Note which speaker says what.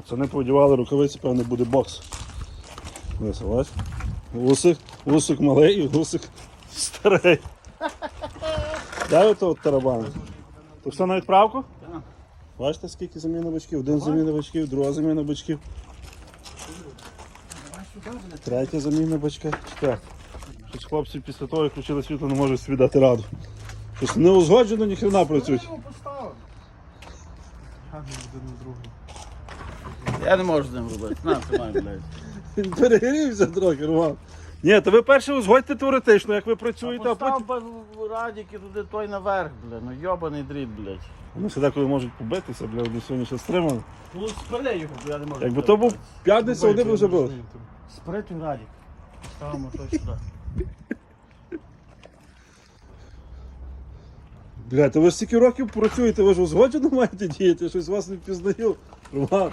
Speaker 1: Пацани повдівали рукавиці, певно буде бокс. Висилась. Усик малий і усик старий. Дай ото от тарабан. То все на відправку?
Speaker 2: Так.
Speaker 1: Бачите, скільки заміна бачків? Один заміна бачків, друга заміна бачків. Третя заміна бачка, четверта. Щось хлопці після того, як включили світло, не можуть собі дати раду. Щось не узгоджено, ні хрена працюють.
Speaker 2: Я не можу з ним робити. На, тримай, блядь.
Speaker 1: Він перегрівся трохи, Роман. Ні, то ви перше узгодьте теоретично, як ви працюєте, а потім...
Speaker 2: Постав радіки туди той наверх, блядь. Ну йобаний дріт, блядь.
Speaker 1: Вони ще деколи можуть побитися, бля, вони сьогодні ще стримали.
Speaker 2: Ну спали його, бо я не можу.
Speaker 1: Якби то був п'ятниця, вони б вже були.
Speaker 2: Спри той радік. Ставимо той сюди.
Speaker 1: Бля, то ви ж стільки років працюєте, ви ж узгоджено маєте діяти, щось вас не впізнаю. Роман.